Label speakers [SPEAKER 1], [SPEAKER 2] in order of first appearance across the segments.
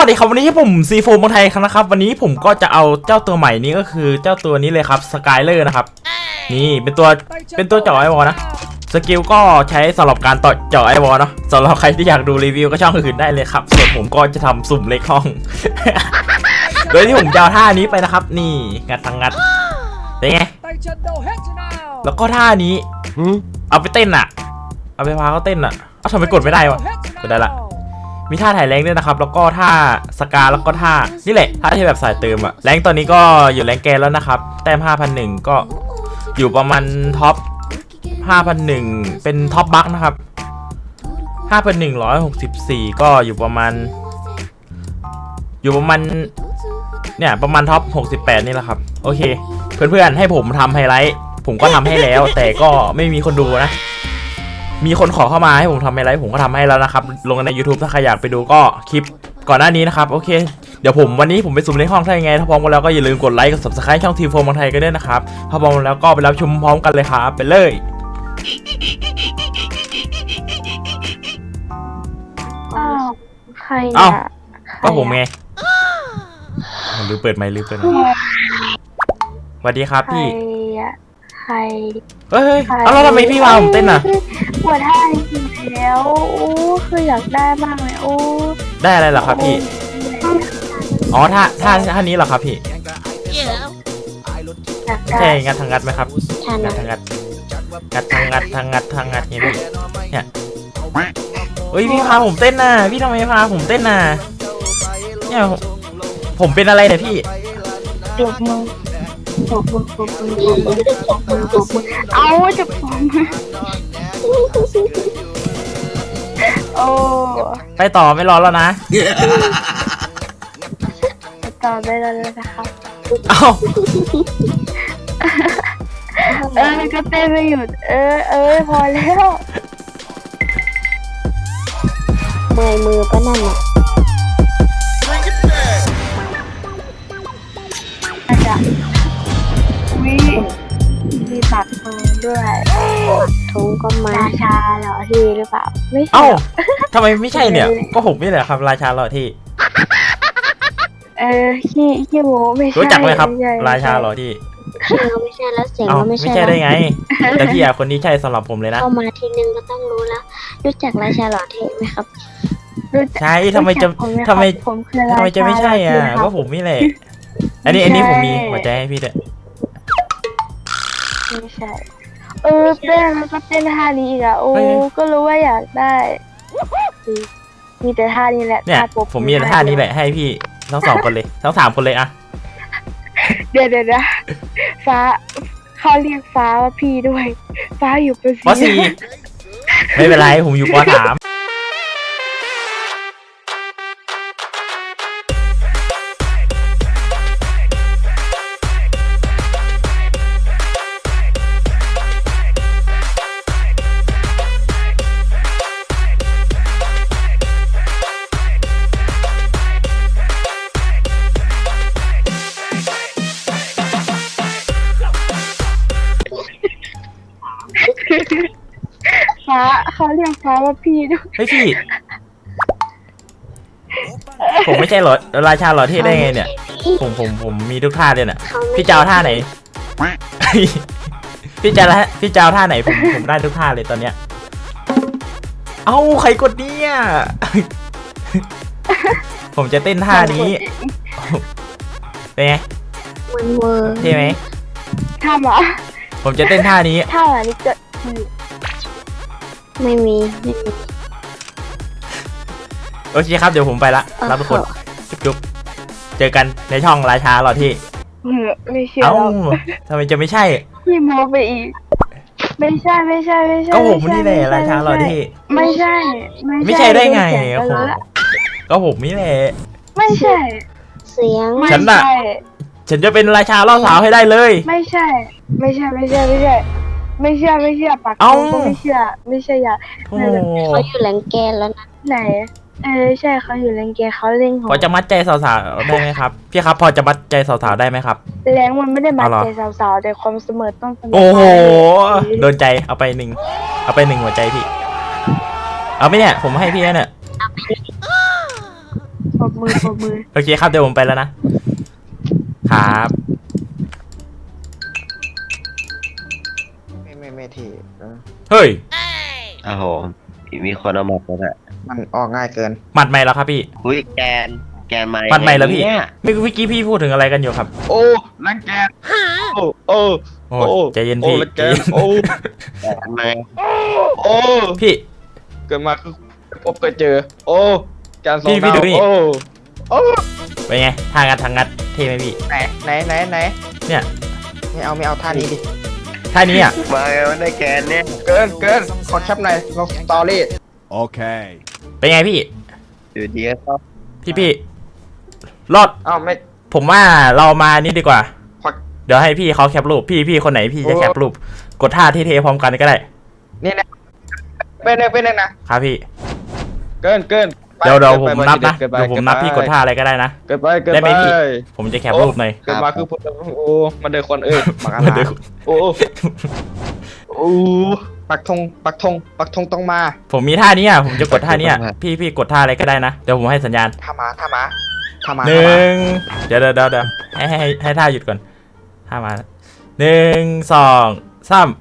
[SPEAKER 1] ดีครับวันนี้ผมซีโฟมเมืองไทยนะครับวันนี้ผมก็จะเอาเจ้าตัวใหม่นี้ก็คือเจ้าตัวนี้เลยครับสกายเลอร์นะครับนี่เป็นตัวเจาะไอวอลนะสกิลก็ใช้สำหรับการต่อเจาะไอวอลเนาะสำหรับใครที่อยากดูรีวิวก็ช่องอื่นได้เลยครับส่วนผมก็จะทำสุ่มเล็กห้อง โดยที่ผมจะเอาท่านี้ไปนะครับนี่งัดทางงัดเป็นไงแล้วก็ท่านี้เอาไปเต้นอ่ะเอาไปพาเขาเต้นอ่ะเอาทำไมกดไม่ได้วะกดได้ละมีท่าถ่ายแรงด้วยนะครับแล้วก็ท่าสกาแล้วก็ท่านี่แหละท่าที่แบบสายเติมอะแรงตอนนี้ก็อยู่แรงแกนแล้วนะครับแต้ม 5,001 ก็อยู่ประมาณท็อป 5,001 เป็นท็อปบัคนะครับ 5,164 ก็อยู่ประมาณเนี่ยประมาณท็อป 68 นี่แหละครับโอเคเพื่อนๆให้ผมทำไฮไลท์ผมก็ทำให้แล้วแต่ก็ไม่มีคนดูนะมีคนขอเข้ามาให้ผมทำอะไรผมก็ทำให้แล้วนะครับลงใน YouTube ถ้าใครอยากไปดูก็คลิปก่อนหน้านี้นะครับโอเคเดี๋ยววันนี้ผมไปสุ่มในห้องถ้ายังไงถ้าพร้อมกันแล้วก็อย่าลืมกดไลค์กด Subscribe ช่องทีมโฟมเมืองไทยกันด้วยนะครับถ้าพร้อมแล้วก็ไปรับชมพร้อมกันเลยครับไปเลย
[SPEAKER 2] ใคร
[SPEAKER 1] ก็ผมไงลืมเปิดไมค์สวัสดีครับพี่
[SPEAKER 2] ใคร
[SPEAKER 1] เฮ้ยแล้วทำไมพี่มาผมเต้นอ่ะ
[SPEAKER 2] ปวดท่าจริงๆแล้วคืออยากได้มากเลย
[SPEAKER 1] ได้อะไรเหรอครับพี่อ๋อท่านี้เหรอครับพี่ใช่งัดทางงัดไหมครับงัดทางงัดเนี่ยเฮ้ยพี่พาผมเต้นน่ะพี่ทำไมพาผมเต้นน่ะเนี่ยผมเป็นอะไรเนี่ยพี่
[SPEAKER 2] ปลุกมือเอาจะปลุกมือโอ้
[SPEAKER 1] ไปต่อไม่รอแล้วนะ
[SPEAKER 2] ไปต่อได้แล้วนะครับ
[SPEAKER 1] เอา
[SPEAKER 2] ก็เต้นไม่หยุดพอแล้วเมื่อยมือก็นั่นแหละมีปักทองด้วยทงก็มาราชาหล่อที่หรือเปล่าไม่ใช่
[SPEAKER 1] ทำไมไม่ใช่เนี่ยก็ผมนี่แหละครับราชาหล่อที่
[SPEAKER 2] ขี้โม้ไม่ใช่
[SPEAKER 1] รู้จักไหมครับราชาหล่อที่
[SPEAKER 2] ไม่ใช่แล้วเสียงก็
[SPEAKER 1] ไม่ใช่ได้ไงแต่พี่คนนี้ใช่สำหรับผมเลยนะ
[SPEAKER 2] เข้ามาทีนึงก็ต้องรู้แล้วรู้จักราชาหล่อเท่ไหมครับ
[SPEAKER 1] ใช่ทำไมจะไม่ใช่อ่ะก็ผมนี่แหละอันนี้ผมมีหัวใจให้พี่ด้วย
[SPEAKER 2] ไม่ใช่เต้นแล้วก็เต้นท่านี้อีกอ่ะก็รู้ว่าอยากได้มีแต่ท่านี้แหละ
[SPEAKER 1] เนี่ยผมมีท่านี้แหละให้พี่ทั้ง2 คนเลยทั้ง3 คนเลยอะ
[SPEAKER 2] เดี๋ยวนะฟ้าเขาเรียกฟ้าว่าพี่ด้วยฟ้าอยู่ป
[SPEAKER 1] .4ไม่เป็นไรผมอยู่ป.3
[SPEAKER 2] ฟ้าเขาเรียกฟ้าว่าพี่ด้วย
[SPEAKER 1] เฮ้ยพี่ผมไม่ใช่หรอราชาหล่อเท่ได้ไงเนี่ยผมมีทุกท่าเลยน่ะพี่เจ้าท่าไหนพี่เจ้าท่าไหนผมได้ทุกท่าเลยตอนเนี้ยใครกดเนี่ยผมจะเต้นท่านี้เป็นไงเท่ไหม
[SPEAKER 2] ท่าหรอ
[SPEAKER 1] ผมจะเต้นท่านี้
[SPEAKER 2] ท่าอะไรนี่เกิดไม่มี
[SPEAKER 1] โอเคครับเดี๋ยวผมไปละรับทุกคนจุ๊บเจอกันในช่องราชาหล่อที่
[SPEAKER 2] ไม่เชื่อ
[SPEAKER 1] ทำไมจะไม่ใช่
[SPEAKER 2] พี่โมไปอีกไม่ใช่
[SPEAKER 1] ก็ผมนี่แหละราชาหล่อที่
[SPEAKER 2] ไม่ใช่
[SPEAKER 1] ได้ไงก็ผมนี่แหละ
[SPEAKER 2] ไม่ใช่เสียง
[SPEAKER 1] ฉันจะเป็นราชาล่อสาวให้ได้เลย
[SPEAKER 2] ไม่เชื่อปากก็ไม่เชื่ออย่าเขาอยู่แรงแกนแล้วนะไหนใช่เขาอยู่แรงแกนเขาเล่ง
[SPEAKER 1] พอจะมัดใจสาวๆได้ไหมครับพี่ครับพอจะมัดใจสาวๆได้ไหมครับ
[SPEAKER 2] แรงมันไม่ได้มัดใจสาวๆแต่ความเสมอต้อง
[SPEAKER 1] โอ้โหโดนใจเอาไป1หัวใจพี่เอาไปเนี่ยผมให้พี่เนี่ย
[SPEAKER 2] ปรบมือปรบมือ
[SPEAKER 1] โอเคครับเดี๋ยวผมไปแล้วนะ ครับ
[SPEAKER 3] ไม่ทีเออ
[SPEAKER 1] เฮ้ย
[SPEAKER 4] โอ้โห มีคนเอาหมดแล้วแหละ
[SPEAKER 3] มันออกง่ายเกิน
[SPEAKER 1] หมัดใหม่แล้วครับพี่
[SPEAKER 4] อุ้ยแกนมา
[SPEAKER 1] หมัดใหม่แล้วพี่
[SPEAKER 4] เนี่ย
[SPEAKER 1] เมื่อกี้พี่พูดถึงอะไรกันอยู่ครับ
[SPEAKER 3] โอ้รังแกโอ้โอ้
[SPEAKER 1] โอ้ใจเย็นพี่
[SPEAKER 3] รังแกโอ้
[SPEAKER 4] แกนมา
[SPEAKER 3] โอ้
[SPEAKER 1] พี่
[SPEAKER 3] เกิดมาคือพบเคยเจอ โอ้การสอง
[SPEAKER 1] พี่
[SPEAKER 3] ดาว
[SPEAKER 1] ดูนี่
[SPEAKER 3] โอ้โอ้
[SPEAKER 1] เป็นไงทางงัดเท่ไหมพี่
[SPEAKER 3] ไหน
[SPEAKER 1] เนี่ย
[SPEAKER 3] ไม่เอาท่านี้ดิ
[SPEAKER 1] ท่านี้อ่ะ
[SPEAKER 4] มาไงวะในแกนเนี่ย
[SPEAKER 3] เกินขอแคปหน่อยลงสตอรี่
[SPEAKER 5] Okay.
[SPEAKER 1] เป็นไงพี่
[SPEAKER 4] อยู่ดีก็เข้า
[SPEAKER 1] พี่รอด
[SPEAKER 3] อ้าวไม่
[SPEAKER 1] ผมว่าเรามานี่ดีกว่า
[SPEAKER 3] ขอ
[SPEAKER 1] เดี๋ยวให้พี่เขาแคปรูปพี่คนไหนพี่จะแคปรูปกดท่าเท่ๆพร้อมกันก็ได้
[SPEAKER 3] นี่นะเป็นหนึ่งนะครับ
[SPEAKER 1] พี่
[SPEAKER 3] เกินไป
[SPEAKER 1] เดี๋ยว
[SPEAKER 3] กิ
[SPEAKER 1] ผมนับนะ
[SPEAKER 3] เกิไป
[SPEAKER 1] เดี๋ยวผมนับพี่กดท่าอะไรก็ได้นะ
[SPEAKER 3] เกินไป
[SPEAKER 1] ได้ไหมพี่ ผมจะแคปรูปหน่อย
[SPEAKER 3] เกินมาคือพูดโอ้มันเดินคนหมักอา
[SPEAKER 1] มันเดิ
[SPEAKER 3] หาน รโอ้ปักธงต้องมา
[SPEAKER 1] ผมมีท่านี้อ่ะผมจะกดท่านี้อ่ะพี่กดท่าอะไรก็ได้นะเดี๋ยวผมให้สัญญาณ
[SPEAKER 3] ถ้ามา
[SPEAKER 1] หนึ่งเดี๋ยวให้ท่าหยุดก่อนท่ามาหนึ่งสองสาม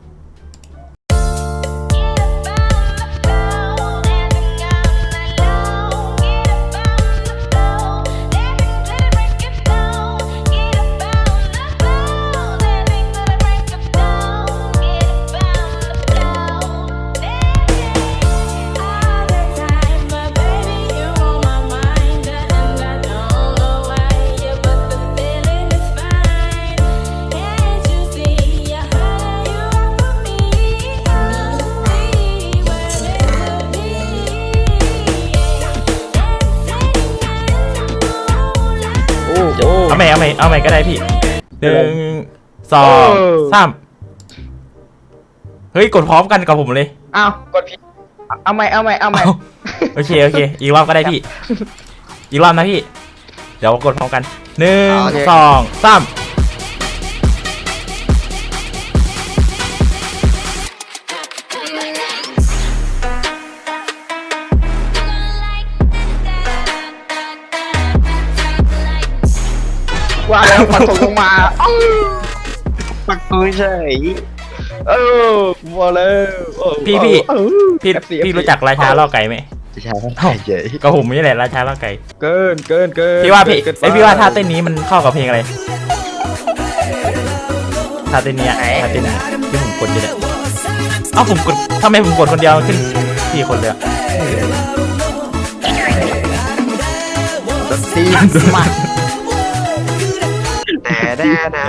[SPEAKER 1] เอาใหม่ก็ได้พี่หนึ่งสองสามเฮ้ยกดพร้อมกันกับผมเลย
[SPEAKER 3] อ้าวกดผิดเอาใหม่
[SPEAKER 1] โอเคอีกรอบก็ได้พี่ อีกรอบนะพี่ เดี๋ยวกดพร้อมกันหนึ่งสองสาม
[SPEAKER 3] ว่าแล้วปักธงต้องมา
[SPEAKER 4] ปักตัวเฉย
[SPEAKER 3] มาแล้ว
[SPEAKER 1] พี่รู้จักราชาล่อไก่ไหม
[SPEAKER 4] จะช้าเท่าเฉย
[SPEAKER 1] ก็ผมนี่แหละราชาล่อไก่
[SPEAKER 3] เกิน
[SPEAKER 1] พี่ว่าพี่
[SPEAKER 3] เกินไป
[SPEAKER 1] พี่ว่าท่าเต้นนี้มันเข้ากับเพลงอะไรท่าเต้นนี้ท่าเต้นที่ผมกดอยู่เนี่ยเอ้าผมกดทำไมผมกดคนเดียวขึ้นพี่คนเลยอะ
[SPEAKER 3] ตีมาแต่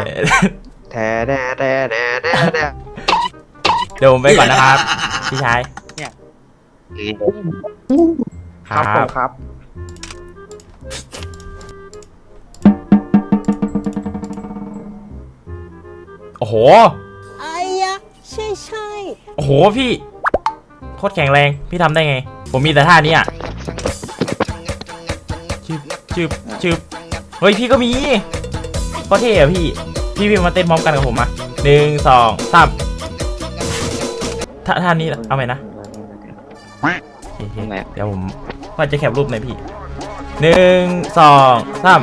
[SPEAKER 1] เดี๋ยวผมไปก่อนนะครับพี่ชาย
[SPEAKER 3] ครับผมครับ
[SPEAKER 1] โอ้โห
[SPEAKER 6] ไอ้ยะใช่
[SPEAKER 1] โอ้โหพี่โคตรแข็งแรงพี่ทำได้ไง ผมมีแต่ท่านี้อ่ะชืบเฮ้ยพี่ก็มีโคตรเท่อะพี่มาเต้นพร้อมกันกับผมมาหนึ่งสองสามท่านี้เอาไหมนะโอเคเดี๋ยวผมว่าจะแคปรูปหน่อยพี่หนึ่งสองสาม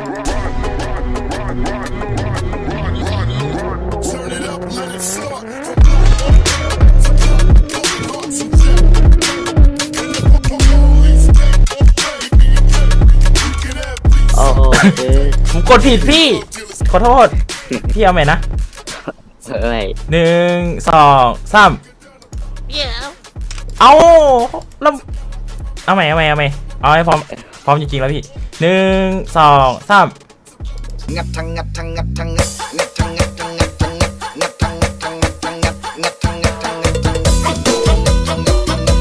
[SPEAKER 4] โอ้โห
[SPEAKER 1] ผมกดผิดพี่ขอโทษพี่เอาไหมนะ
[SPEAKER 4] เอ้ย
[SPEAKER 1] หนึ่งสองสามเอาแล้วเอาใหม่เอาให้พร้อมจริงๆแล้วพี่หนึ่งสองสาม
[SPEAKER 7] งัดทั้งงัดทั้งงัดทั้งงัดงัดทั้งงัดทั้งงัดทั้งงัดทั้งงัดทั้งงัดทั้งงัดงัดทั้งงัดทั้งงัดทั้งงัด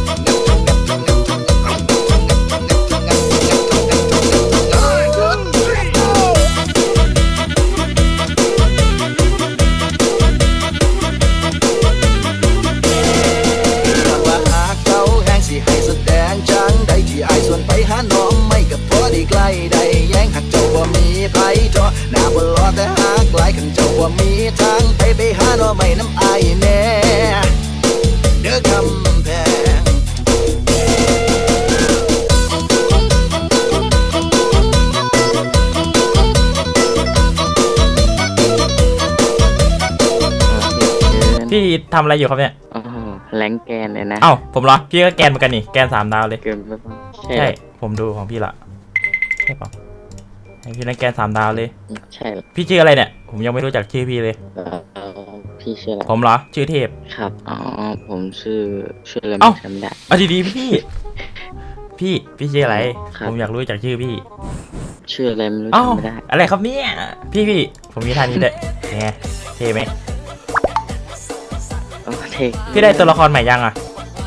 [SPEAKER 7] ว่าหากเขาแห้งสิให้แสดงจังใดที่อายส่วนไปหาน้องไม่กับพอดีใกล้ได้แย้งหักเจ้าว่ามีไผจอหน้าบ่รอแต่หากหลายขันเจ้าว่ามีทางไปหาน้องไม่น้ำอายแน่เด้อคำแพง
[SPEAKER 1] พี่ทำอะไรอยู่ครับเนี่ย
[SPEAKER 4] โอ้โหแรงแกนเลยนะ
[SPEAKER 1] เอ้าผมเหรอพี่ก็แกนเหมือนกันนี่แกน3 ดาวเลย
[SPEAKER 4] เกินไปปะใช่
[SPEAKER 1] ใช่ผมดูของพี่ละใช่เปล่าให้พี่นั่นแกน3 ดาวเลย
[SPEAKER 4] ใช่เหรอ
[SPEAKER 1] พี่ชื่ออะไรเนี่ยผมยังไม่รู้จักชื่อพี่เลย
[SPEAKER 4] พี่ชื่ออะไร
[SPEAKER 1] ผมเหรอชื่อเทพ
[SPEAKER 4] ครับอ๋อผมชื่ออะไร
[SPEAKER 1] เอ้า
[SPEAKER 4] ไม่จำได้
[SPEAKER 1] เอาดีๆพี่พี่ชื่ออะไร
[SPEAKER 4] ครับ
[SPEAKER 1] ผมอยากรู้จักชื่อพี่
[SPEAKER 4] ชื่ออะไรไม่รู้
[SPEAKER 1] อ้าว
[SPEAKER 4] จำไม่ได้
[SPEAKER 1] อะไรครับเนี่ยพี่ผมมีท่านี้ด้วยไงเท่ไหม
[SPEAKER 4] โอ้เท่
[SPEAKER 1] พี่ได้ตัวละครใหม่ยังอ่ะ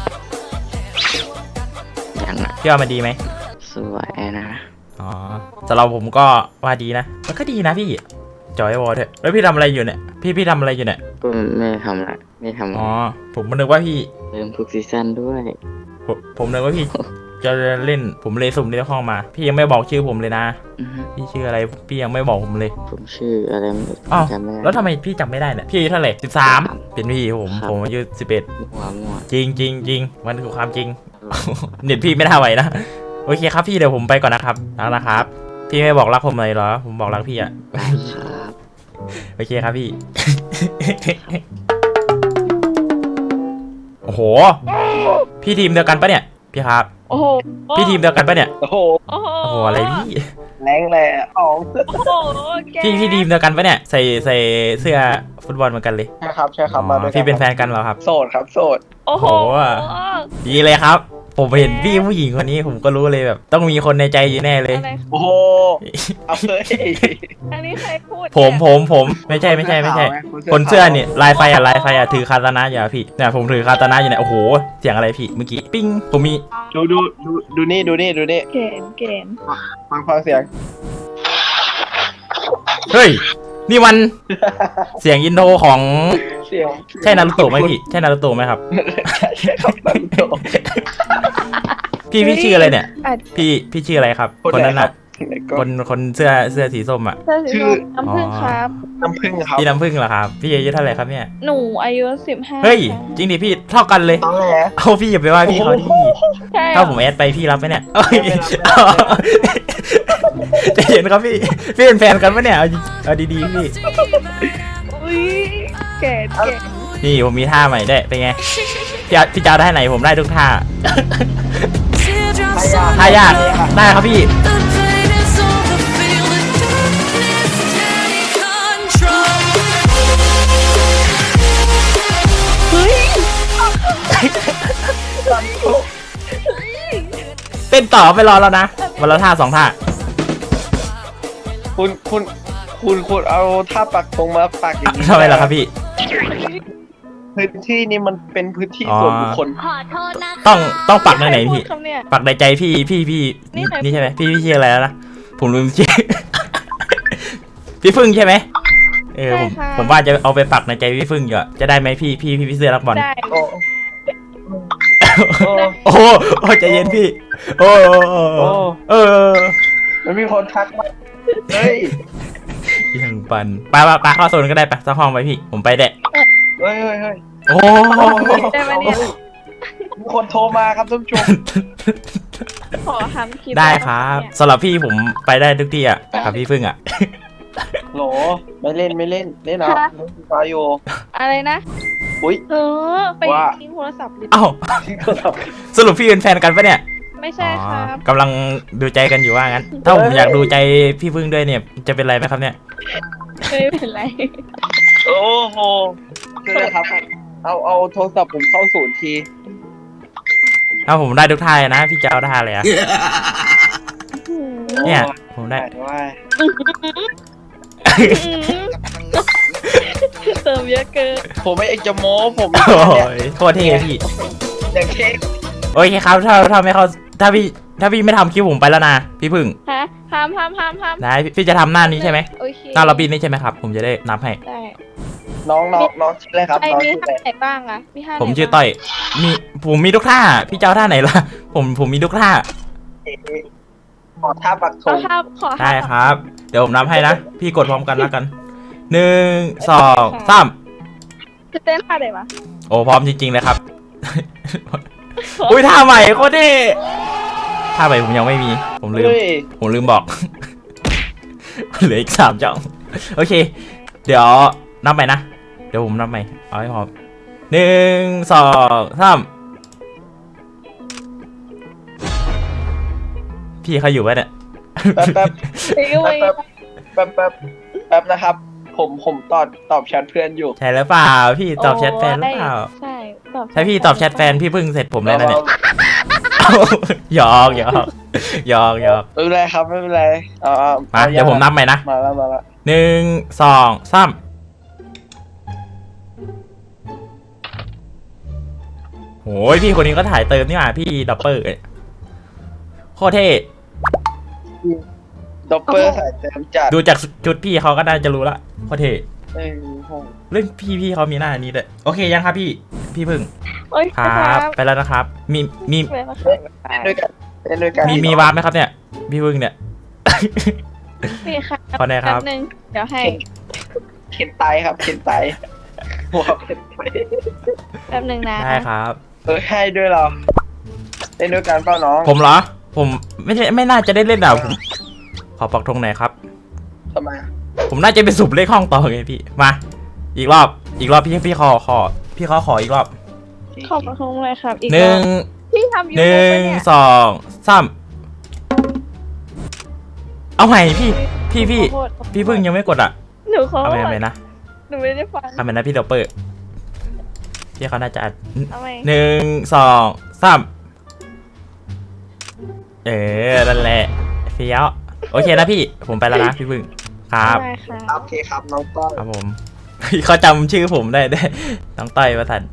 [SPEAKER 4] ยังอ่ะ
[SPEAKER 1] พี่ว่ามันดีไหม
[SPEAKER 4] สวยนะ
[SPEAKER 1] อ๋อสำหรับผมก็ว่าดีนะมันก็ดีนะพี่จอยวอลเถอะแล้วพี่ทำอะไรอยู่เนี่ยพี่ทำอะไรอยู่เนี่ย
[SPEAKER 4] ก็ไม่ทำละไม่ทำ
[SPEAKER 1] อ๋อผมนึกว่าพี่
[SPEAKER 4] เริ่มทุกซีซั่นด้วย
[SPEAKER 1] ผมนึกว่าพี่จะเล่นผมเลยสุ่มในห้องมา พี่ยังไม่บอกชื่อผมเลยนะ
[SPEAKER 4] อือฮึ
[SPEAKER 1] พี่ชื่ออะไรพี่ยังไม่บอกผมเลย
[SPEAKER 4] ผมชื่ออะไรไม่รู้
[SPEAKER 1] อ้าว
[SPEAKER 4] จำไม่ได้
[SPEAKER 1] แล้วทำไมพี่จำไม่ได้เนี่ยพี่อายุเท่าไหร่13เป็นพี่ผมอายุ11
[SPEAKER 4] มั่ว
[SPEAKER 1] จริงมันคือความจริง เน็ตพี่ไม่น่าไหวนะโอเคครับพี่เดี๋ยวผมไปก่อนนะครับรักนะครับ พี่ไม่บอกรักผมเลยเหรอผมบอกรักพี่อะ
[SPEAKER 4] ได้ครับ
[SPEAKER 1] โอเคครับพี่ โอ้โหพี่ทีมเดียวกันปะเนี่ยพี่ครับ
[SPEAKER 2] โอ้โห
[SPEAKER 1] พี่ทีมเดียวกันปะเนี่ย
[SPEAKER 3] โอ้โห
[SPEAKER 2] โอ้โห
[SPEAKER 1] โอ้โหอะไรพี่
[SPEAKER 3] แรงแหละอ๋อง
[SPEAKER 2] โอ้โหแก
[SPEAKER 1] พี่ทีมเดียวกันปะเนี่ยใส่เสื้อฟุตบอลเหมือนกันเลย
[SPEAKER 3] ใช่ครับใช่ครับมาด้วยกั
[SPEAKER 1] พี่เป็นแฟนกันเหรอครับ
[SPEAKER 3] โสดครับโสด
[SPEAKER 2] โอ้โห
[SPEAKER 1] ดีเลยครับ ผมเห็นพี่ผู้หญิงคนนี้ผมก็รู้เลยแบบ ต้องมีคนในใจอยู่แน่เลย
[SPEAKER 2] อะไร
[SPEAKER 3] โอ้โหเอาเลย
[SPEAKER 2] อันนี้ใครพูด
[SPEAKER 1] ผมไม่ใช่คนเสื้อนี่ลายไฟอะถือคาตานะอยู่อะพี่เนี่ยผมถือคาตานะอยู่เนี่ยโอ้โหเสียงอะไรพี่เมื่อกี้ปิ้งผมมี
[SPEAKER 3] ดูนี่
[SPEAKER 2] เกณฑ์
[SPEAKER 3] ฟังเสียง
[SPEAKER 1] เฮ้ยนี่มันเสียงอินโทรของ
[SPEAKER 3] เสียง
[SPEAKER 1] ใช่นารูโตะไหมพี่ใช่นารูโตะไหมครับ
[SPEAKER 3] ใช่ครับมันโต
[SPEAKER 1] พี่ชื่ออะไรเนี่ยพี่ชื่ออะไรครับคนนั้นน่ะ
[SPEAKER 3] ก็
[SPEAKER 1] คนเสื้อสีส้มอ่ะ
[SPEAKER 2] เสื้อสีส้มน้ำผึ้งครับ
[SPEAKER 3] น้ำผึ้งครับ
[SPEAKER 1] พี่น้ำผึ้งเหรอครับพี่อายุเท่าไหร่ครับเนี่ย
[SPEAKER 2] หนูอายุ15
[SPEAKER 1] เฮ้ยจริงดิพี่เท่ากันเลย
[SPEAKER 3] ตอนแรก
[SPEAKER 1] เอาพี่อย่าไปว่าพี่เขาดิ
[SPEAKER 2] ใช่
[SPEAKER 1] ถ้าผมแอดไปพี่รับไหมเนี่ยเอ้ยใจเย็นครับพี่เป็นแฟนกันปะเนี่ยเอาดีๆพี่
[SPEAKER 2] อุ้ยเกณฑ์
[SPEAKER 1] นี่ผมมีท่าใหม่ได้วยเป็นไงพี่จะเอาได้ไหนผมได้ทุกท่าท่ายากได้ครับพี่
[SPEAKER 2] เฮ้ย
[SPEAKER 1] เต้นต่อไปรอแล้วนะวันละท่า2 ท่า
[SPEAKER 3] คุณเอาท่าปักธงมาปักอย่างนี้
[SPEAKER 1] ทำไมล่ะครับพี่
[SPEAKER 3] พื้นที่นี้มันเป็นพื้นที่ส่วนบุคคล
[SPEAKER 2] ขอโทษนะ
[SPEAKER 1] ต้องปักในไหนพี่
[SPEAKER 2] คำเนี่ย
[SPEAKER 1] ปักในใจพี่
[SPEAKER 2] นี่ใคร
[SPEAKER 1] นี่ใช่ไหมพี่ชื่ออะไรแล้วนะผมลืมชื่อ พี่ฟึ่งใช่ไหมผมว่าจะเอาไปปักในใจพี่ฟึ่งอยู่อะจะได้ไหมพี่เสื้อรักบอล
[SPEAKER 2] ได้
[SPEAKER 3] โอ้
[SPEAKER 1] โอ้โหใจเย็นพี่ โอ้
[SPEAKER 3] มันมีคนทักมาเฮ้ย
[SPEAKER 1] ยังปันไปเข้าโซนก็ได้ไปสักห้องไปพี่ผมไปแดะ
[SPEAKER 3] เฮ้ย
[SPEAKER 1] โอ้
[SPEAKER 2] ได้ไหมเนี่ย
[SPEAKER 3] มีคนโทรมาครับท่านผู้ชม
[SPEAKER 2] ขอทำคลิป
[SPEAKER 1] ได้ครับสำหรับพี่ผมไปได้ทุกที่อ่ะกับพี่ฟึ่งอ่ะ
[SPEAKER 3] โหลไม่เล่นเล่นเอาเล่นฟาโย
[SPEAKER 2] อะไรนะ
[SPEAKER 3] อุ้ย
[SPEAKER 2] ไป
[SPEAKER 3] ว่า
[SPEAKER 2] ทิ้งโทรศัพท์ดิ
[SPEAKER 1] เอ้า
[SPEAKER 3] ที่เขาท
[SPEAKER 1] สรุปพี่เป็นแฟนกันปะเนี่ย
[SPEAKER 2] ไม่ใช่ครับ
[SPEAKER 1] กำลังดูใจกันอยู่ว่างั้น ถ้าผมอยากดูใจพี่ฟึ่งด้วยเนี่ยจะเป็นไรไหมครับเนี่ย
[SPEAKER 2] ไม่เป็นไร
[SPEAKER 3] ำโอ้โหคืออะไรครับ เอาโทรศัพท์ผมเข้าศูนย์ที
[SPEAKER 1] ถ้าผมได้ทุกท่าเลยนะพี่จะเอาท่าเลยอะเนี่ยผมได้
[SPEAKER 3] ว่า
[SPEAKER 2] เติมเยอะเกิน
[SPEAKER 3] ผมไม่เอกจะโม้ผม
[SPEAKER 1] โอ้ยโคตรเท่พี่
[SPEAKER 3] อย่างเค้ก
[SPEAKER 1] โอเคครับถ้าไม่เขาถ้าพี่ไม่ทำคลิปผมไปแล้วนะพี่พึ่ง
[SPEAKER 2] ฮะห้าม
[SPEAKER 1] นะพี่จะทำหน้านี้ใช่ไหม
[SPEAKER 2] โอเค
[SPEAKER 1] หน้าล็อบบี้นี้ใช่ไหมครับผมจะได้นับให้
[SPEAKER 2] ได้
[SPEAKER 3] น้องชื่ออะไรครับ
[SPEAKER 2] ไอ
[SPEAKER 3] น้อง
[SPEAKER 2] มี
[SPEAKER 3] ชื่ออะไร
[SPEAKER 2] ท่าไหนบ้างอะมีท่าไหน
[SPEAKER 1] ผมชื่อต้อยผมมีทุกท่าพี่จะเอาท่าไหนล่ะผมมีทุกท่า
[SPEAKER 3] ขอท่าปักธ
[SPEAKER 2] ของ ท่าขอท่า
[SPEAKER 1] ได้ครับ เดี๋ยวผมนับให้นะพี่กดพร้อมกันแล้วกัน1 2 3
[SPEAKER 2] จะเต้นท่าไหนวะ
[SPEAKER 1] โอ้พร้อมจริงๆเลยครับ อุ้ยท่าใหม่โคตรเท่ท่าใหม่ผมยังไม่มีผมลืม
[SPEAKER 3] เฮ้ย
[SPEAKER 1] ผมลืมบอก เหลืออีก3 จ่องโอเค เดี๋ยวนับใหม่นะเดี๋ยวผมนับใหม่เอาให้พร้อม 1 2 3พี่เขาอยู่ไหมเนี่ย
[SPEAKER 3] แป๊บนะครับ ผมตอบแชทเพื่อนอยู่
[SPEAKER 1] ใช่แล้วเปล่าพี่ตอบแชทแฟนหรือเปล่า
[SPEAKER 2] ใช่ตอบ
[SPEAKER 1] ถ้าพี่ตอบแชทแฟนพี่เพิ่งเสร็จผมแล้วนะเนี่ยหยอกหยอกหยอกหยอก
[SPEAKER 3] ไม่เป็นไรครับไม่เป็นไรเอา
[SPEAKER 1] มาเดี๋ยวผมนับใหม่นะ
[SPEAKER 3] มาแล้ว
[SPEAKER 1] 1 2 3โอ้ยพี่คนนี้ก็ถ่ายเติมนี่หว่าพี่ด็อปเปอร์โคตรเท่
[SPEAKER 3] ด็อปเปอร์สายเต็มจัด
[SPEAKER 1] ดูจากชุดพี่เขาก็น่าจะรู้ละโคตรเท่
[SPEAKER 3] เอ้ยโห
[SPEAKER 1] เรื่องพี่เขามีหน้านี้ด้วยโอเคยังครับพี่พึ่ง
[SPEAKER 2] โอ้ย
[SPEAKER 1] ครับไปแล้วนะครับมี
[SPEAKER 2] ไปแล้วครับ
[SPEAKER 3] เล่นด้วยกันเล่นด้วยกัน
[SPEAKER 1] มีวาร์ปไหมครับเนี่ยพี่พึ่งเนี่ย
[SPEAKER 2] นี่ค่ะ
[SPEAKER 1] ขอแน่ครับ
[SPEAKER 2] แป๊บนึงเดี๋ยวให้
[SPEAKER 3] เข็นไตครับเข็นไตหัวเข็นไต
[SPEAKER 2] แป๊บนึงนะ
[SPEAKER 1] ได้ครับ
[SPEAKER 3] ให้ด้วยเราเล่นด้วยกันเปล่าน้อง
[SPEAKER 1] ผมเหรอผมไม่น่าจะได้เล่นอ่ะผมขอปักธงหน่อยครับ
[SPEAKER 3] ทำไมอะ
[SPEAKER 1] ผมน่าจะไปสูบเลขห้องต่อไงพี่มาอีกรอบพี่ขอพี่เขาขออีกรอบ
[SPEAKER 2] ขอบคุณเลยครับอีก
[SPEAKER 1] หนึ่ง
[SPEAKER 2] พี่ทำยู
[SPEAKER 1] ห
[SPEAKER 2] ทูบ
[SPEAKER 1] นึ่ง
[SPEAKER 2] ปะเนี่ย
[SPEAKER 1] สองสามเอาใหม่พี่
[SPEAKER 2] ขอโทษ
[SPEAKER 1] พี่พึ่งยังไม่กดอ่ะ
[SPEAKER 2] หนูขอ
[SPEAKER 1] เอา
[SPEAKER 2] โท
[SPEAKER 1] ใหม่
[SPEAKER 2] ษ
[SPEAKER 1] เอาใหม่นะ
[SPEAKER 2] หนูไม่ได้ฟัง
[SPEAKER 1] เอาใหม่นะพี่ด็อปเปอร์พี่เขาน่าจะอัด
[SPEAKER 2] เอาใหม่
[SPEAKER 1] หนึ่งสองสามนั่นแหละเฟี้ยวโอเคนะพี่ผมไปแล้วนะพี่พึ่งครับ
[SPEAKER 2] ได้ค่ะ
[SPEAKER 3] โอเคครับน้องต้น
[SPEAKER 1] ครับผม เขาจำชื่อผมได้น้องต้อยประสัน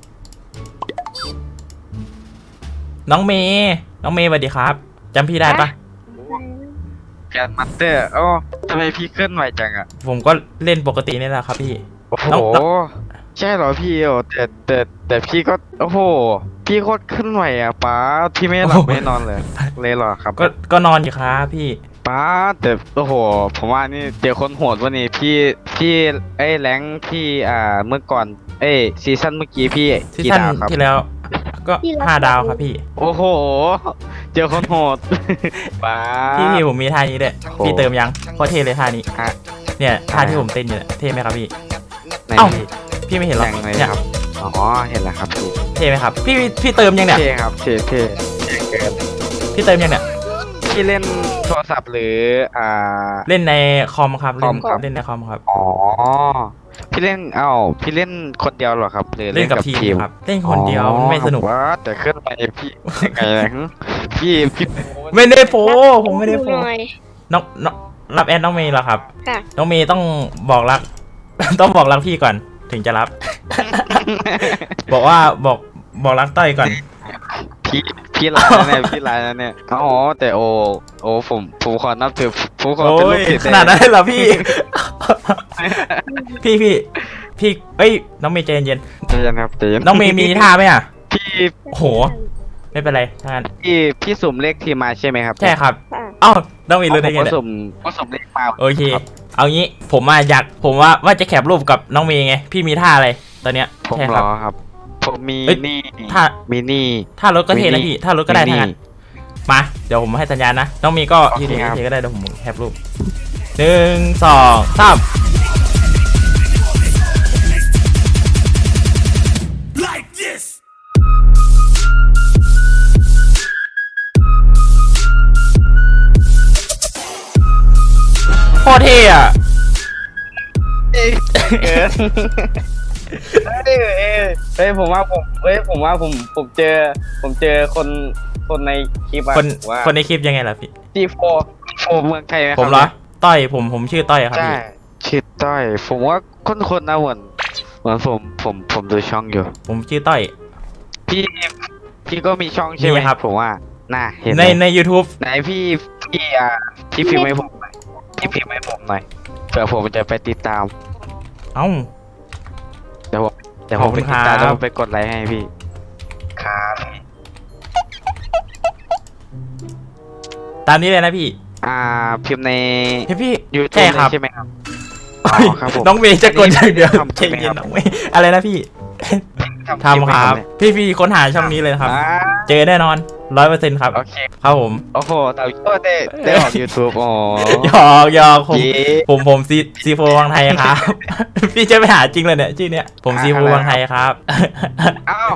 [SPEAKER 1] น้องเมย์สวัสดีครับจำพี่ได้ปะ
[SPEAKER 5] แกนมัตเตอร์โอ้ทำไมพี่เคลื่อนไหวจังอ่ะ
[SPEAKER 1] ผมก็เล่นปกตินี่แหละครับพี่
[SPEAKER 5] โอ้โห
[SPEAKER 1] น้อง
[SPEAKER 5] ใช่เหรอพี่โอ้แต่พี่ก็โอ้โหพี่โคตรเคลื่อนไหวอ่ะป้าพี่ไม่หลับไม่นอนเลยเหรอครับ
[SPEAKER 1] ก็นอนอยู่ครับพี่
[SPEAKER 5] ป้าแต่โอ้โหผมว่านี่เจอคนโหดวันนี้พี่ไอ้แรงค์พี่เมื่อก่อนซีซั่นเมื่อกี้พี่
[SPEAKER 1] ซี
[SPEAKER 5] กี่
[SPEAKER 1] ซั่น
[SPEAKER 5] ดาวครับ
[SPEAKER 1] ที่แล้ว ก็5 ดาวครับพี่
[SPEAKER 5] โอ้โหเจอคนโหด ป้า
[SPEAKER 1] พี่ผมมีท่านี้ด้วย
[SPEAKER 5] โอ้โห
[SPEAKER 1] พี่เติมยังโคตรเท่เลยท่านี้
[SPEAKER 5] ฮะ
[SPEAKER 1] เนี่ยท่าที่ผมเต้นอยู่เนี่ยเท่ไหมครับพี่
[SPEAKER 5] ไหน
[SPEAKER 1] เอ้า
[SPEAKER 5] พี่
[SPEAKER 1] พี่ไม่เห็นหรอ
[SPEAKER 5] ยังไง
[SPEAKER 1] เนี่ย
[SPEAKER 5] ครับอ๋อเห็นแล้วครับพี่
[SPEAKER 1] เท่ไหมครับพี่เติมยังเนี่ย
[SPEAKER 5] เท่ครับเท่เท่เกิน
[SPEAKER 1] พี่เติมยังเนี่ย
[SPEAKER 5] พี่เล่นโทรศัพท์หรือ
[SPEAKER 1] เล่นในคอมครับ
[SPEAKER 5] คอมครับ
[SPEAKER 1] เล่นในคอมครับ
[SPEAKER 5] อ๋อพี่เล่นพี่เล่นคนเดียวเหรอครับหรือ
[SPEAKER 1] เล่นกับทีมครับเล่นคนเดียวมันไม่สนุก
[SPEAKER 5] ว่าแต่เคลื่อนไปพี่ยังไงนะพี่
[SPEAKER 1] ไม่ได้โฟผมไม่ได้โฟ
[SPEAKER 2] หน่อย
[SPEAKER 1] น้องรับแอดน้องเมย์เหรอครับ
[SPEAKER 2] ค่ะ
[SPEAKER 1] น้องเมย์ต้องบอกรัก ต้องบอกรักพี่ก่อนถึงจะรับ บอกว่าบอกรักต้อยก่อน
[SPEAKER 5] พี่ลายนะเนี่ยพี่ลายนะเนี่ยอ๋อแต่โอ้ผมขอนับถือผมขอ
[SPEAKER 1] โอ้
[SPEAKER 5] เป็นลู
[SPEAKER 1] ย
[SPEAKER 5] กศิษย์
[SPEAKER 1] ขนาดนั้นเลยเหรอพี่ พี่เอ้ยน้องเมย์ใจเย็น
[SPEAKER 5] ใจเย็นครับใจเย็น
[SPEAKER 1] ๆน้องเมย์มีท่าไหมอ่ะ
[SPEAKER 5] พี่
[SPEAKER 1] โอ้โหไม่เป็นไรถ้างั้น
[SPEAKER 5] พี่สุ่มเลขทีมมาใช่ไหมครับ
[SPEAKER 1] ใช่ครับ
[SPEAKER 2] ค่ะ
[SPEAKER 1] เอ้าน้องเมย์รู้ได้
[SPEAKER 5] ผม
[SPEAKER 1] ไง
[SPEAKER 5] ก็
[SPEAKER 1] เนี่ย
[SPEAKER 5] สุ่มเลขมา
[SPEAKER 1] โอเค
[SPEAKER 5] ครับ
[SPEAKER 1] เอางี้ผมว่าจะแคปรูปกับน้องเมย์ไงพี่มีท่าอะไรตอนเนี้ย
[SPEAKER 5] ผม
[SPEAKER 1] ใช่
[SPEAKER 5] ร
[SPEAKER 1] ครับ
[SPEAKER 5] อครับ ผมมี
[SPEAKER 1] เอ้ย
[SPEAKER 5] นี่
[SPEAKER 1] ถ้า
[SPEAKER 5] มีนี่
[SPEAKER 1] ถ้ารถก็เทนะพี่ถ้ารถก็ได้
[SPEAKER 5] มีนี่
[SPEAKER 1] ทั้งนั้นมาเดี๋ยวผมให้สัญญาณนะน้องเมย์ก็
[SPEAKER 5] โอเค
[SPEAKER 1] ยืน
[SPEAKER 5] ครับ
[SPEAKER 1] เฉยๆก็ได้เดี๋ยวผมแคปรูป1 2 3โคตรเท่อะ
[SPEAKER 5] เฮ้ยผมว่าผมเจอคนในคลิปอะ
[SPEAKER 1] คนในคลิปยังไงล่ะพี่
[SPEAKER 5] G4 เมืองไทยไหมครับ
[SPEAKER 1] ผมเหรอต้อยผมชื่อต้อยครับ
[SPEAKER 5] ใช่
[SPEAKER 1] พี่
[SPEAKER 5] ชื่อต้อยผมว่าคนนะเหมือนผมดูช่องอยู่
[SPEAKER 1] ผมชื่อต้อย
[SPEAKER 5] พี่ก็มีช่องใช่ไหม
[SPEAKER 1] มีครับ
[SPEAKER 5] ผมว่าน่าเห็น
[SPEAKER 1] ใน YouTube
[SPEAKER 5] ไหนพี่พิมพ์ให้ผมหน่อยพี่พิมพ์ให้ผมหน่อยเผื่อผมจะไปติดตาม
[SPEAKER 1] เอ้า
[SPEAKER 5] เดี๋ยวผ
[SPEAKER 1] ขอบ
[SPEAKER 5] ม
[SPEAKER 1] คุ
[SPEAKER 5] ไป
[SPEAKER 1] ณ
[SPEAKER 5] ติดตาม
[SPEAKER 1] ครับ
[SPEAKER 5] แล้วผมไปกดไลค์ให้พี่ครับ
[SPEAKER 1] ตามนี้เลยนะพี่
[SPEAKER 5] พิมพ์ใน
[SPEAKER 1] พี่
[SPEAKER 5] YouTube
[SPEAKER 1] ใช่ครับ
[SPEAKER 5] ใช่ไหมครับอ๋อครับผม
[SPEAKER 1] น้องเมย์จะกดอย่างเดียว
[SPEAKER 5] ทำ
[SPEAKER 1] ใจ
[SPEAKER 5] ใช่ไหม
[SPEAKER 1] เย็
[SPEAKER 5] คน รับ
[SPEAKER 1] น้องเมย์อะไรนะพี่ทำครับ พี่ค้นหาช่องนี้เลยนะครับ เจอแน่นอน 100%ครับ
[SPEAKER 5] โอเค
[SPEAKER 1] ครับผม
[SPEAKER 5] โอ้โหแต่ก็ได้ออก YouTube อ๋อ
[SPEAKER 1] หยอกผม
[SPEAKER 5] เย้
[SPEAKER 1] ผมซีโฟวังไทยครับ พี่จะไปหาจริงเลยเนี่ยชื่อเนี้ยผมซีโฟวังไทยครับ
[SPEAKER 5] เอ้า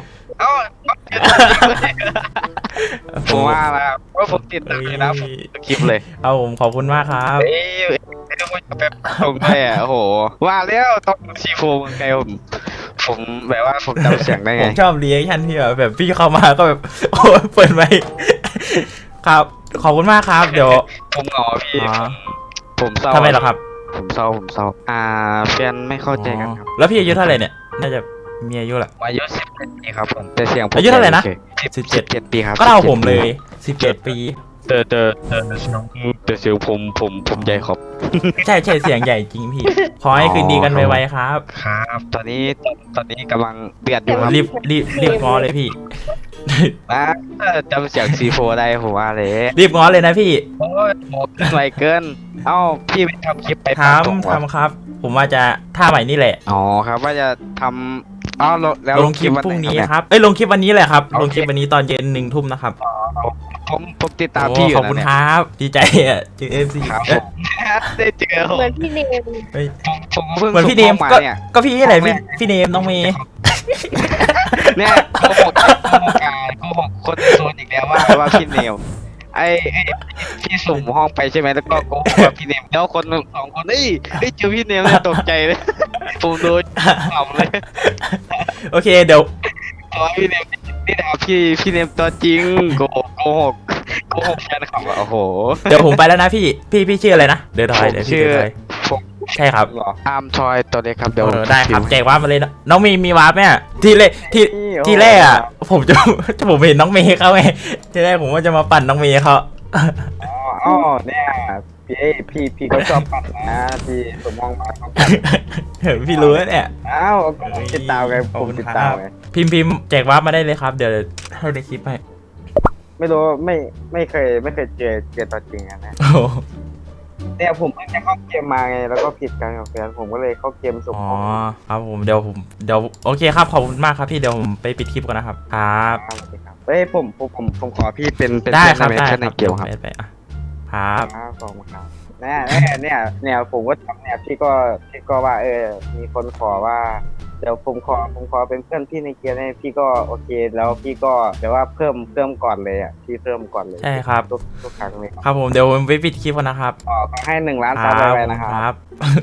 [SPEAKER 5] ผมว่าแล้วว่าผมติดตามเลยนะผมคลิปเลย
[SPEAKER 1] เอาผมขอบคุณมากครับ
[SPEAKER 5] เอ้ยไม่ต้องมาแบบตรงเลยอ่ะโอ้โหว่าแล้วต้องซีโฟเมืองไทยผมแบบว่าผมจำเสียงได้
[SPEAKER 1] ผ
[SPEAKER 5] ไง
[SPEAKER 1] มชอบเรีแอคชั่นที่แบบพี่เข้ามาก็แบบ โอ้ยเปิดไหมค์ครับ ขอบคุณมากครับ เดี๋ยว
[SPEAKER 5] ผมเหงาพี่
[SPEAKER 1] อ๋อ
[SPEAKER 5] ผมเศร้า
[SPEAKER 1] ทำไมเหรอครับ
[SPEAKER 5] ผมเศร้าแฟนไม่เข้าใจกันครับ
[SPEAKER 1] แล้วพี่อายุเท่าไหร่เนี่ย น่าจะมีอายุแหละ
[SPEAKER 5] อายุ17 ปีครับผมแต่เสียงผม
[SPEAKER 1] อายุเท่าไหร่นะ
[SPEAKER 5] 17 ปีครับ
[SPEAKER 1] ก็เท่าผมเลย17 ปี
[SPEAKER 5] แต่เสียงผมใหญ่ครับ
[SPEAKER 1] ใช่เสียงใหญ่จริงพี่ ขอให้คืนดีกันไวๆครับ
[SPEAKER 5] ครับตอนนี้กำลังเดือดอยู่ครับ
[SPEAKER 1] รีบง้อเลยพี่
[SPEAKER 5] นะจำเสียงซีโฟได้ผมว่าเลย
[SPEAKER 1] รีบง้อเลยนะพี่
[SPEAKER 5] โอ้ยโหไวเกินเอ้าพี่ไปทำคลิปไป
[SPEAKER 1] ท
[SPEAKER 5] ตรง
[SPEAKER 1] ำครับ ผมว่าจะท่าใหม่นี่แหละ
[SPEAKER 5] อ๋อครับว่าจะทำอ้าวแล้ว
[SPEAKER 1] ลงคลิป
[SPEAKER 5] วัน
[SPEAKER 1] พรุ่ง
[SPEAKER 5] ไห
[SPEAKER 1] นี้
[SPEAKER 5] เย
[SPEAKER 1] ครับ ลงคลิปวันนี้แหละครับ ลงคลิปวันนี้ตอนเย็น1 ทุ่มนะครับ
[SPEAKER 5] ผมติดตาม
[SPEAKER 1] โอ้
[SPEAKER 5] พี่อยู่
[SPEAKER 1] ขอบคุณ
[SPEAKER 5] นะ
[SPEAKER 1] ค
[SPEAKER 5] เนี่ย
[SPEAKER 1] รับ ดีใจอ่ะเจอMC
[SPEAKER 5] ครับผมได้เจอผม
[SPEAKER 2] เหมือนพี่เนม
[SPEAKER 5] ผมเพิ่ง
[SPEAKER 1] เหมือนพี่เนม
[SPEAKER 5] ส่งข้า
[SPEAKER 1] ก็
[SPEAKER 5] เนี่ย
[SPEAKER 1] ก็พี่แหละพี่เนมน้องเมย์
[SPEAKER 5] เนี่ยโกหกคนโซนอีกแล้วว่าพี่เนมไอ้พี่สุ่มห้องไปใช่ไหมแล้วก็โกหกว่าพี่เนมแล้วคน2 คนได้เจอพี่เนมเนี่ยตกใจเลยผมโดนขำเลย
[SPEAKER 1] โอเคเดี๋ยว
[SPEAKER 5] ตอนพี่เนมนี่ด่าพี่เนมตัวจริงโกหกแฟนคลับอะโอ้โห
[SPEAKER 1] เดี๋ยวผมไปแล้วนะพี่ชื่ออะไรนะเดี๋ยวถอย
[SPEAKER 5] ผม
[SPEAKER 1] เดี๋ยวพี่
[SPEAKER 5] ชื่อ
[SPEAKER 1] เดี๋ยวถอย
[SPEAKER 5] ผม
[SPEAKER 1] ใช่ครับ
[SPEAKER 5] อาร์มทอยตัวเล็กครับเดี๋ยว
[SPEAKER 1] ได้ครับแจกวาร์ปมาเลยนะน้องเมย์มีวาร์ปไหมอ่ะที่แรกอ่ะผมผมเห็นน้องเมย์เขาไงที่แรกผมว่าจะมาปั่นน้องเมย์เขา
[SPEAKER 3] อ๋อเนี่ยพี่เขาชอบปั่นนะพี่สมมองมาชอบปั่น
[SPEAKER 1] พี่รู้แล้วเนี่ย
[SPEAKER 3] อ้าวติดตามไงผมติดตามไง
[SPEAKER 1] พิมพ์แจกวาร์ปมาได้เลยครับ เดี๋ยวให้ในคลิปให้
[SPEAKER 3] ไม่รู้ไม่เคยเจอตัวจริงอะนะ
[SPEAKER 1] โอ้โห
[SPEAKER 3] เนี่ยผมเพิ่งจะเข้าเกมมาไงแล้วก็ผิดกันกับแฟนผมก็เลยเข้าเกมส่ง
[SPEAKER 1] อ๋อ
[SPEAKER 3] ของ
[SPEAKER 1] ครับผมเดี๋ยวโอเคครับขอบคุณมากครับพี่เดี๋ยวผมไปปิดคลิปก่อนนะครับครับ
[SPEAKER 3] ครับเฮ้ยผมขอพี่เป็น
[SPEAKER 1] ได้ครับ
[SPEAKER 5] เพื่อน
[SPEAKER 1] ได้
[SPEAKER 5] เพื่อน
[SPEAKER 1] ค
[SPEAKER 5] ใน
[SPEAKER 1] รับ
[SPEAKER 5] เกี่ยวครับ
[SPEAKER 1] ไปอ่ะครับ
[SPEAKER 3] ขอบคุณครับเนี่ยผมก็ทำเนี่ยพี่ก็ว่ามีคนขอว่าเดี๋ยวผมขอเป็นเพื่อนพี่ในเกมให้พี่ก็โอเคแล้วพี่ก็เดี๋ยวว่าเพิ่มก่อนเลยอ่ะพี่เพิ่มก่อนเลย
[SPEAKER 1] ใช่ครับ
[SPEAKER 3] ทุกครั้งเลย
[SPEAKER 1] ครับผมเดี๋ยวผมไปปิดคลิปก่อนนะครับ
[SPEAKER 3] ขอให้1 ล้านซับไปนะครับ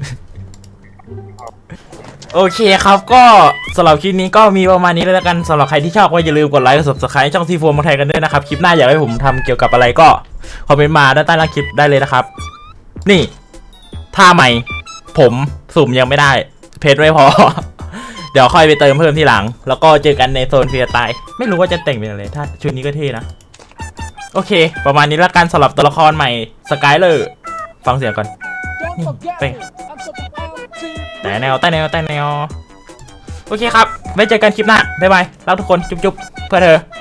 [SPEAKER 1] โอเคครับก็สำหรับคลิปนี้ก็มีประมาณนี้เลยแล้วกันสำหรับใครที่ชอบก็อย่าลืมกดไลค์กด subscribe ช่องซีโฟมไทยกันด้วยนะครับคลิปหน้าอยากให้ผมทำเกี่ยวกับอะไรก็คอมเมนต์มาด้านใต้ล่างคลิปได้เลยนะครับนี่ท่าใหม่ผมสุ่มยังไม่ได้เพจไม่พอ เดี๋ยวค่อยไปเติมเพิ่มที่หลังแล้วก็เจอกันในโซนฟรีสไตล์ไม่รู้ว่าจะแต่งเป็นอะไรถ้าชุดนี้ก็เท่นะโอเค ประมาณนี้แล้วกันสำหรับตัวละครใหม่สกายเลอร์ฟังเสียงก่อน
[SPEAKER 6] Don't forget me. I'm so proud to
[SPEAKER 1] แต่แนวโอเคครับไว้เจอกันคลิปหน้าบ๊ายบายรักทุกคนจุ๊บๆเพื่อเธอ